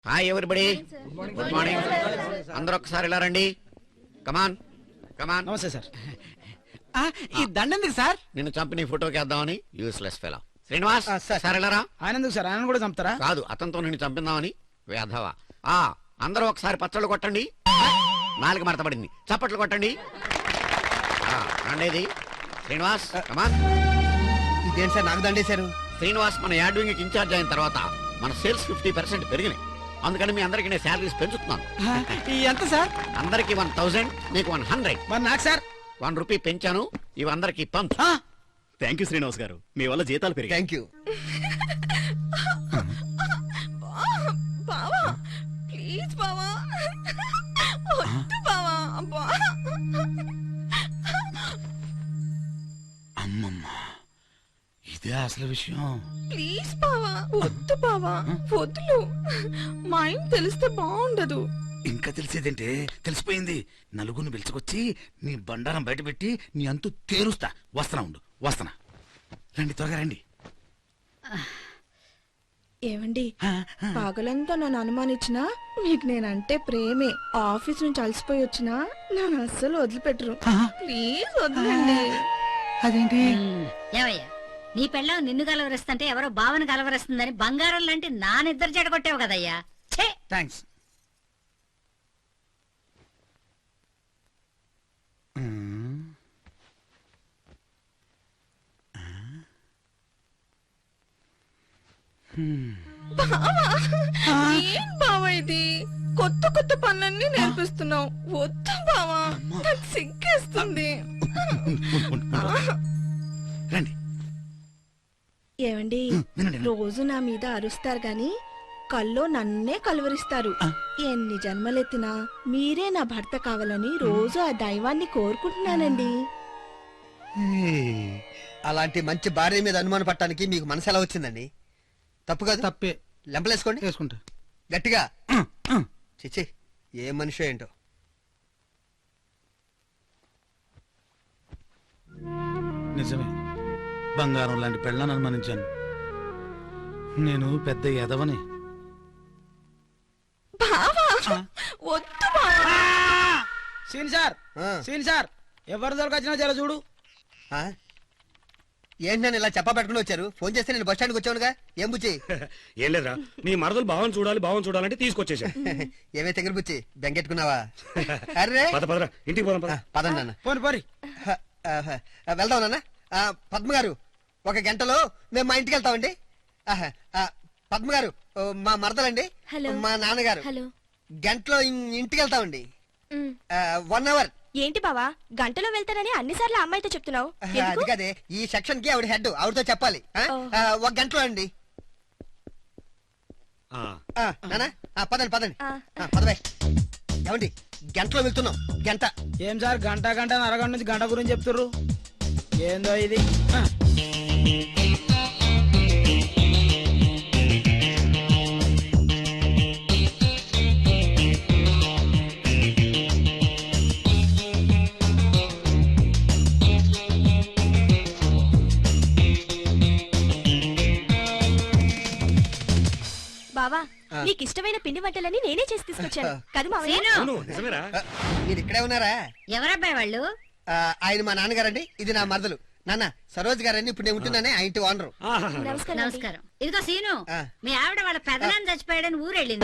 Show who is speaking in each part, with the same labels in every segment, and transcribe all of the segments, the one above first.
Speaker 1: Hi everybody, good morning. అందరూ ఒక్కసారి ఇలా రండి. కమాన్ కమాన్.
Speaker 2: నమస్తే సార్. ఈ దండెందుకు సార్?
Speaker 1: నిన్ను చంపి నీ ఫోటోకి వేద్దామని. Useless fellow. శ్రీనివాస్ సార్ ఇలా రా.
Speaker 2: ఆయన ఎందుకు సార్? ఆయన కూడా చంపుతారా?
Speaker 1: కాదు, అతనితో నిన్ను చంపిందామని. వేధవా. అందరూ ఒకసారి పచ్చళ్ళు కొట్టండి. నాలుగు మడతపడింది. చప్పట్లు కొట్టండి. రండేది శ్రీనివాస్, కమాన్.
Speaker 3: ఇదేంటి సార్ నాకు దండేశారు?
Speaker 1: శ్రీనివాస్ మన యాడ్ వింగ్ ఇన్ఛార్జ్ అయిన తర్వాత మన సేల్స్ 50% పెరిగినాయి. అందుకని మీ అందరికి నేను శాలరీస్ పెంచుతున్నాను.
Speaker 2: ఎంత సార్?
Speaker 1: అందరికి 1000, నీకు 100.
Speaker 2: మరి నాకు సార్?
Speaker 1: 1 రూపీ పెంచాను. ఇవి అందరికి పంచు.
Speaker 4: థ్యాంక్ యూ శ్రీనివాస్ గారు, మీ వల్ల జీతాలు పెరిగాయి.
Speaker 3: Thank you.
Speaker 5: బావా ప్లీజ్ బావా, వద్దు బావా.
Speaker 2: అమ్మమ్మ, ఇదే అసలు విషయం.
Speaker 5: ప్లీజ్ బావా, వద్దు బావా, వద్దులు. మా ఆయన తెలిస్తే బాగుండదు.
Speaker 2: ఇంకా తెలిసేదంటే తెలిసిపోయింది. నలుగురిని పిలుచుకొచ్చి నీ బండారం బయట పెట్టి నీ అంతు తేరుస్తా. వస్తున్నా. రండి, త్వరగా రండి.
Speaker 5: ఏమండి, పగలంతా నన్ను అనుమానించినా మీకు నేనంటే ప్రేమే. ఆఫీస్ నుంచి అలసిపోయి వచ్చినా నన్ను అస్సలు వదిలిపెట్టరు. ప్లీజ్ వద్దండి.
Speaker 2: అదేంటి?
Speaker 6: ఏవయ్యా, నీ పెళ్ళం నిన్ను కలవరిస్తుంటే ఎవరో భావన కలవరిస్తుందని బంగారం లాంటి నా నిద్ర చెడగొట్టావు కదయ్యా. ఛే!
Speaker 2: థ్యాంక్స్.
Speaker 5: ఏం బావా ఇది? కొత్త కొత్త పనులన్నీ నేర్పిస్తున్నావు. వద్దు బావా, నాకు సిగ్గేస్తుంది.
Speaker 2: రండి.
Speaker 5: ఏమండి,
Speaker 2: వినండి.
Speaker 5: రోజు నా మీద అరుస్తారు గాని కల్లో నన్నే కలవరిస్తారు. ఎన్ని జన్మలెత్తినా మీరే నా భర్త కావాలని రోజు ఆ దైవాన్ని కోరుకుంటున్నానండి.
Speaker 3: అలాంటి మంచి భార్య మీద అనుమానం పట్టడానికి మీకు మనసు ఎలా వచ్చిందండి? తప్పు కాదు.
Speaker 2: తప్పే.
Speaker 3: లెంపలేసుకోండి.
Speaker 2: వేసుకుంటా.
Speaker 3: గట్టిగా. చిచ్చి, ఏ మనిషి ఏంటో.
Speaker 2: నిజమే, బంగారం లాంటి పెళ్ళాన్ని అనుమానించాను. నేను పెద్ద ఎదవని.
Speaker 5: బావా వద్దు బావా.
Speaker 2: సీన్ సార్, సీన్ సార్, ఎవరు దొరకొచ్చినా జర చూడు.
Speaker 3: ఏంటి నన్ను ఇలా చెప్పబెట్టుకుని వచ్చారు? ఫోన్ చేస్తే నేను బస్ స్టాండ్కి వచ్చానుగా. ఏం బుచ్చి?
Speaker 4: ఏం లేదురా, నీ మరదలు భావం చూడాలంటే తీసుకొచ్చేసా.
Speaker 3: ఏమే తెగరు బుచ్చి, బెంగెట్టుకున్నావా? అరే
Speaker 4: పదరా ఇంటికి పోదాం.
Speaker 3: పదండి నాన్న.
Speaker 2: పోని.
Speaker 3: వెళ్దాం నాన్న. పద్మ గారు, 1 గంటలో మేము మా ఇంటికి వెళ్తామండి. పద్మ గారు, మా మరదలండి. మా నాన్నగారు. గంటలో ఇంటికి వెళ్తామండి. 1 అవర్.
Speaker 5: ఏంటి బావా, గంటలో వెళ్తానని అన్నిసార్లు అమ్మాయితో చెప్తున్నావు?
Speaker 3: అది కదే, ఈ సెక్షన్ కి ఆవిడ హెడ్, ఆవిడతో చెప్పాలి. 1 గంటలో అండి. నానా పదండి పదవే. ఏమండి, గంటలో వెళ్తున్నాం. గంట.
Speaker 2: ఏం సార్, గంట అరగంట నుంచి గంట గురించి చెప్తుర్రు? ఏందో ఇది.
Speaker 5: బావా, నీకు ఇష్టమైన పిండి వంటలని నేనే చేసి తీసుకొచ్చాను కదా మావయ్య?
Speaker 4: నిజమేరా?
Speaker 3: మీరు ఇక్కడే ఉన్నారా?
Speaker 6: ఎవరబ్బాయి వాళ్ళు?
Speaker 3: ఆయన మా నాన్నగారండి, ఇది నా మరదలు. నాన్న సరోజ్ గారండి, ఇప్పుడు నేను ఉంటున్నానే ఆ ఇంటి ఓనరు.
Speaker 6: నమస్కారం. ఇదిగో సీను, మీ ఆవిడ వాళ్ళ పెదనాన్ని చచ్చిపోయాడని ఊరెళ్ళింది.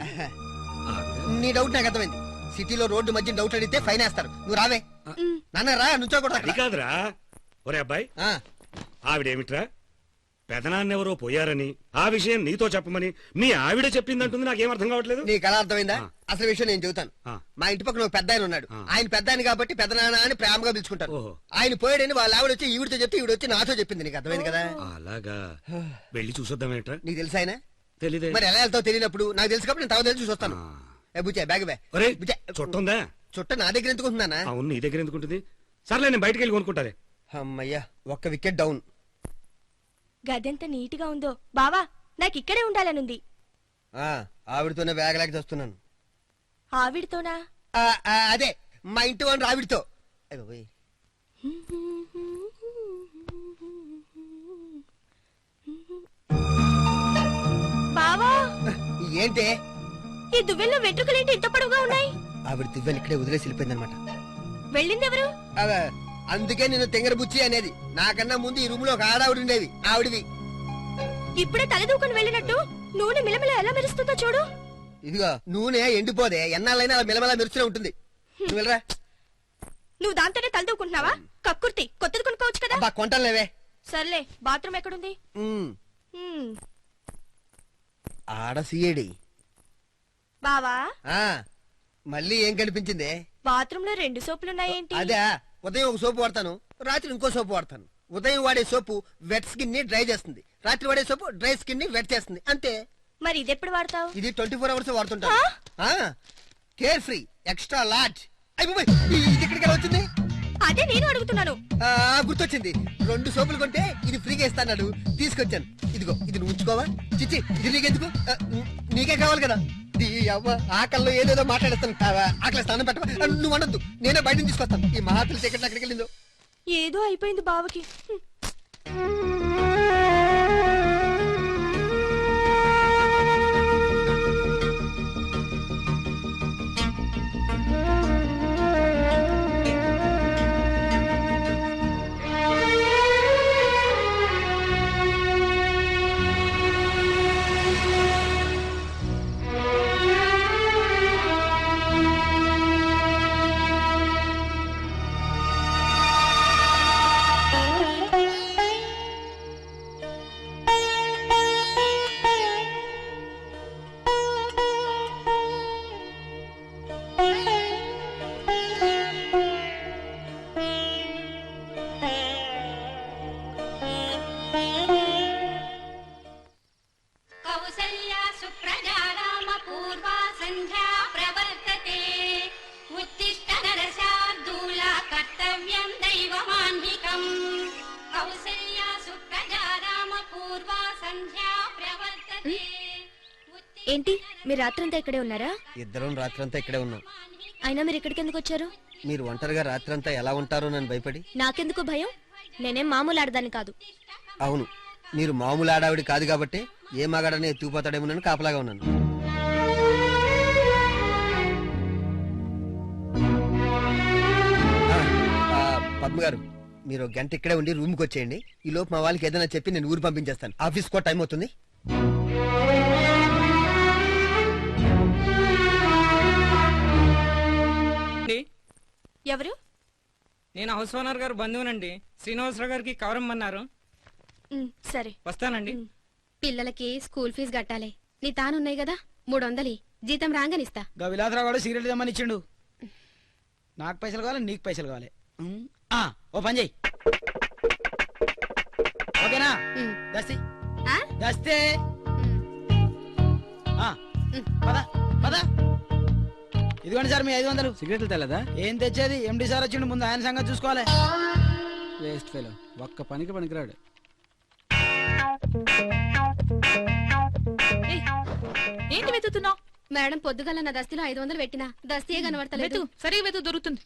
Speaker 3: నీ డౌట్ నాకు అర్థమైంది. సిటీలో రోడ్డు మధ్య డౌట్ అడిగితే ఫైన్ వేస్తారు. నువ్వు రావే. నాన్న రా, నుంచోకూడదు.
Speaker 4: అది కాదురా. ఒరే అబ్బాయి, ఆవిడేమిట్రా పెదనాన్నెవరో పోయారని ఆ విషయం నీతో చెప్పమని మీ ఆవిడ చెప్పిందంటుంది. నాకేం అర్థం కావట్లేదు.
Speaker 3: నీకు అలా అర్థమైందా? అసలు విషయం నేను చెబుతాను. మా ఇంటి పక్కన ఒక పెద్ద ఆయన ఉన్నాడు. ఆయన పెద్ద ఆయన కాబట్టి పెద్దనాన్న అని ప్రేమగా పిలుచుకుంటారు. ఆయన పోయాడని వాళ్ళ ఆవిడ వచ్చి ఈవిడితో చెప్తే ఈవిడ వచ్చి నాతో చెప్పింది. నీకు అర్థమైంది కదా?
Speaker 4: అలాగా, వెళ్ళి చూసొద్దామేట్రా.
Speaker 3: నీకు తెలుసా ఆయన?
Speaker 4: తెలీదే.
Speaker 3: మరి ఎలా వెళ్తావు తెలియనప్పుడు నాకు తెలుసు కాబట్టి నేను తావు తెలిసి చూస్తాను. బుచ్చే బ్యాగ్ బ్యాగ్.
Speaker 4: చుట్టుందా?
Speaker 3: చుట్ట నా దగ్గర ఎందుకుంటున్నానా?
Speaker 4: అవును, నీ దగ్గర ఎందుకుంటుంది? సర్లే, నేను బయటకు వెళ్ళి కొనుక్కుంటారే.
Speaker 3: అమ్మయ్యా, 1 వికెట్ డౌన్.
Speaker 5: గదెంత నీట్ గా ఉందో. బావా, నాకు ఇక్కడే ఉండాలనుంది.
Speaker 3: ఆవిడతోనే బ్యాగ్ లేక చేస్తున్నాను.
Speaker 5: ఆవిడతోనా?
Speaker 3: అదే మా ఇంటి వాడు ఆవిడతో.
Speaker 5: బావా,
Speaker 3: ఏంటే
Speaker 5: ఈ దువ్వెల్లో వెంట్రుకలేంటి ఇంత పొడవుగా ఉన్నాయి?
Speaker 3: ఆవిడ దివ్యని ఇక్కడే వదిలేసి వెళ్ళిపోయిందనమాట.
Speaker 5: వెళ్ళిందెవరు?
Speaker 3: అందుకే నేను తెంగర బుచ్చి అనేది. నాకన్నా ముందు ఈ రూమ్ లో ఒక ఆడావిడ ఉండేది, ఆవిడవి.
Speaker 5: ఇప్పుడే తలదూకుని వెళ్ళినట్టు నూనె మిలమిల ఎలా మెరుస్తుందో చూడు.
Speaker 3: ఇదిగో నూనె ఎండిపోదే, ఎన్నాళ్ళైనా అలా మిలమలా మెరుస్తూనే ఉంటుంది. నువ్వు వెళ్ళరా.
Speaker 5: నువ్వు దాంతోనే తలదూకుంటున్నావా? కక్కుర్తి కొత్తది కొనుక్కోవచ్చు కదా.
Speaker 3: అబ్బా కొంటలేవే.
Speaker 5: సర్లే, బాత్రూమ్ ఎక్కడుంది?
Speaker 3: ఉమ్,
Speaker 5: హ్మ్.
Speaker 3: ఆడ సిఏడి.
Speaker 5: బావా,
Speaker 3: ఆ మళ్ళీ ఏం కనిపించిందే?
Speaker 5: బాత్రూమ్ లో 2 సోపులున్నాయేంటి?
Speaker 3: అదే, ఉదయం ఒక సోపు వాడతాను, రాత్రి ఇంకో సోపు వాడతాను. ఉదయం వాడే సోపు వెట్ స్కిన్ ని డ్రై చేస్తుంది, రాత్రి వాడే సోపు డ్రై స్కిన్ ని వెట్ చేస్తుంది, అంతే.
Speaker 5: మరి ఇదెప్పుడు వాడతావు?
Speaker 3: ఇది 24 అవర్స్ వాడుతుంటాను. Care free extra large. అయిపోయి ఇది ఎక్కడికి వచ్చింది?
Speaker 5: అదే నేను అడుగుతున్నాను.
Speaker 3: గుర్తొచ్చింది, 2 సోపులు కొంటే ఇది ఫ్రీగా ఇస్తాడు, తీసుకొచ్చాను. ఇదిగో ఇది నువ్వు ఉంచుకోవా? చిచ్చి, ఇది నీకెందుకు? నీకే కావాలి కదా. ఆకల్లో ఏదేదో మాట్లాడేస్తాను. ఆకలి స్నానం పెట్టవా? నువ్వు అనొద్దు, నేనే బయట తీసుకొస్తాను. ఈ మహాత్రి టికెట్ ఎక్కడికి వెళ్ళిందో.
Speaker 5: ఏదో అయిపోయింది బావకి.
Speaker 7: కౌసల్యా సుప్రజా రామ పూర్వా సంధ్యా ప్రవర్తతే ఉత్తిష్ట నరశార్దూల కర్తవ్యం దైవమాన్నికం కౌసల్యా సుప్రజా రామ పూర్వా సంధ్యా ప్రవర్తతే.
Speaker 5: ఏంటి, మీరు రాత్రంతా ఇక్కడే ఉన్నారా?
Speaker 3: ఇద్దరం రాత్రంతా ఇక్కడే ఉన్నాం.
Speaker 5: అయినా మీరు ఇక్కడికి ఎందుకు వచ్చారు?
Speaker 3: మీరు ఒంటరిగా రాత్రంతా ఎలా ఉంటారో నన్ను భయపడి.
Speaker 5: నాకెందుకు భయం? నేనేం మామూలు ఆడదాన్ని కాదు.
Speaker 3: అవును, మీరు మామూలు ఆడావిడి కాదు కాబట్టి ఏ మగాడనే ఎత్తుకుపోతాడేమోనని కాపలాగా ఉన్నాను. పద్మ గారు, మీరు 1 గంట ఇక్కడే ఉండి రూమ్కి వచ్చేయండి. ఈ లోపు మా వాళ్ళకి ఏదైనా చెప్పి నేను ఊరు పంపించేస్తాను. ఆఫీస్ కూడా టైం అవుతుంది.
Speaker 5: ఎవరు?
Speaker 8: నేను హౌస్ ఓనర్ గారు బంధువునండి. శ్రీనివాసరావు గారికి కవర్ ఇమ్మన్నారు.
Speaker 5: సరే,
Speaker 8: వస్తానండి.
Speaker 9: పిల్లలకి స్కూల్ ఫీజు కట్టాలి. నీ తానున్నాయి కదా, 300 జీతం రాగానిస్తా.
Speaker 8: గా విలాసరావు గారు సీరియల్ తెమ్మని ఇచ్చిండు. నాకు పైసలు కావాలి, నీకు పైసలు కావాలి. ఓ పని చెయ్యి, ఓకేనా? దస్తి దస్తే పద పద. ఇదిగోండి సార్ మీ 500.
Speaker 10: సిగరెట్లు తెల్లదా?
Speaker 8: ఏం తెచ్చేది, ఎండి సార్ వచ్చిండు, ముందు ఆయన సంగతి చూసుకోవాలి.
Speaker 10: వేస్ట్ ఫెలో, ఒక్క పనికి పనికిరాడు.
Speaker 5: ఏంటి వెతుకుతున్నావు?
Speaker 9: మేడం పొద్దుగల నా దస్తిలో 500 పెట్టినా దస్తియే కనబడతలేదు.
Speaker 5: సరే వెతు, దొరుకుతుంది.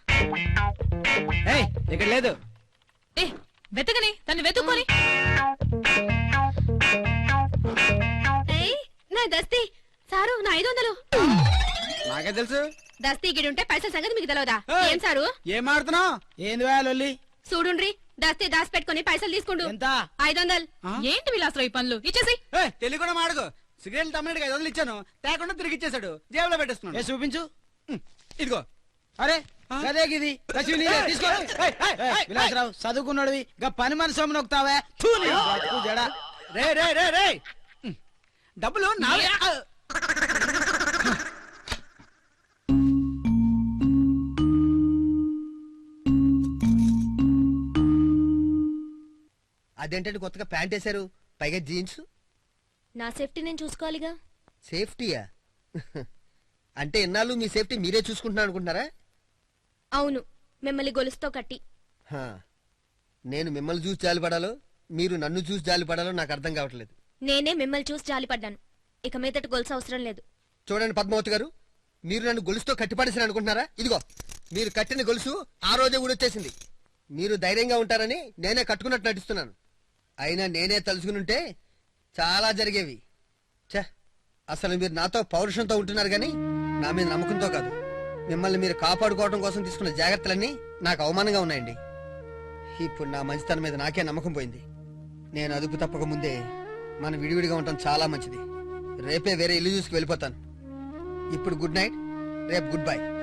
Speaker 10: ఏయ్, ఇక్కడ లేదు.
Speaker 5: వెతకని దాన్ని వెతుక్కొని.
Speaker 9: నా దస్తి సారు, నా 500.
Speaker 10: నాకే తెలుసు.
Speaker 9: దస్తి గిడుంటే పైసల సంగతి మీకు తెలియదా? ఏం సారు
Speaker 8: ఏం ఆడుతున్నావు? ఏంది వేయాలి?
Speaker 9: చూడుండ్రి, దస్తి దాసి పెట్టుకుని పైసలు తీసుకుంటూ.
Speaker 8: ఎంత?
Speaker 9: 500.
Speaker 5: ఏంటి విలాసరావు ఈ పనులు? ఇచ్చేసి.
Speaker 10: తెలియకుండా మాడుకో. సిగరెట్లు తమ్ముడికి 500 ఇచ్చాను, తేకుండా తిరిగి ఇచ్చేసాడు. జేబులో పెట్టేస్తున్నాడు.
Speaker 8: చూపించు.
Speaker 10: ఇదిగో.
Speaker 8: అరే అదే గిది తీసుకో. విలాసరావు చదువుకున్నాడు, గా పని మనిషి నొక్కుతావా? జడా
Speaker 10: రే రే రే రే, డబ్బులు నావే.
Speaker 3: అదేంటంటే కొత్తగా ప్యాంట్ వేశారు, పైగా జీన్స్.
Speaker 5: నా సేఫ్టీ నేను చూసుకోవాలిగా.
Speaker 3: సేఫ్టీయా? అంటే ఇన్నాళ్ళు మీ సేఫ్టీ మీరే చూసుకుంటున్నారు అనుకుంటున్నారా?
Speaker 5: అవును, మిమ్మల్ని గొలుసుతో కట్టి.
Speaker 3: నేను మిమ్మల్ని చూసి జాలిపడాలో మీరు నన్ను చూసి జాలిపడాలో నాకు అర్థం కావట్లేదు.
Speaker 5: నేనే మిమ్మల్ని చూసి జాలిపడ్డాను. ఇక మీదట గొలుసు అవసరం లేదు.
Speaker 3: చూడండి పద్మావతి గారు, మీరు నన్ను గొలుసుతో కట్టిపడేసారు అనుకుంటున్నారా? ఇదిగో మీరు కట్టిన గొలుసు ఆ రోజే ఊడొచ్చేసింది. మీరు ధైర్యంగా ఉంటారని నేనే కట్టుకున్నట్టు నటిస్తున్నాను. అయినా నేనే తలుచుకునుంటే చాలా జరిగేవి. ఛ, అసలు మీరు నాతో పౌరుషంతో ఉంటున్నారు కానీ నా మీద నమ్మకంతో కాదు. మిమ్మల్ని మీరు కాపాడుకోవడం కోసం తీసుకున్న జాగ్రత్తలన్నీ నాకు అవమానంగా ఉన్నాయండి. ఇప్పుడు నా మంచితనం మీద నాకే నమ్మకం పోయింది. నేను అదుపు తప్పక ముందే మనం విడివిడిగా ఉండటం చాలా మంచిది. రేపే వేరే ఇల్లు చూసుకు వెళ్ళిపోతాను. ఇప్పుడు గుడ్ నైట్, రేపు గుడ్ బై.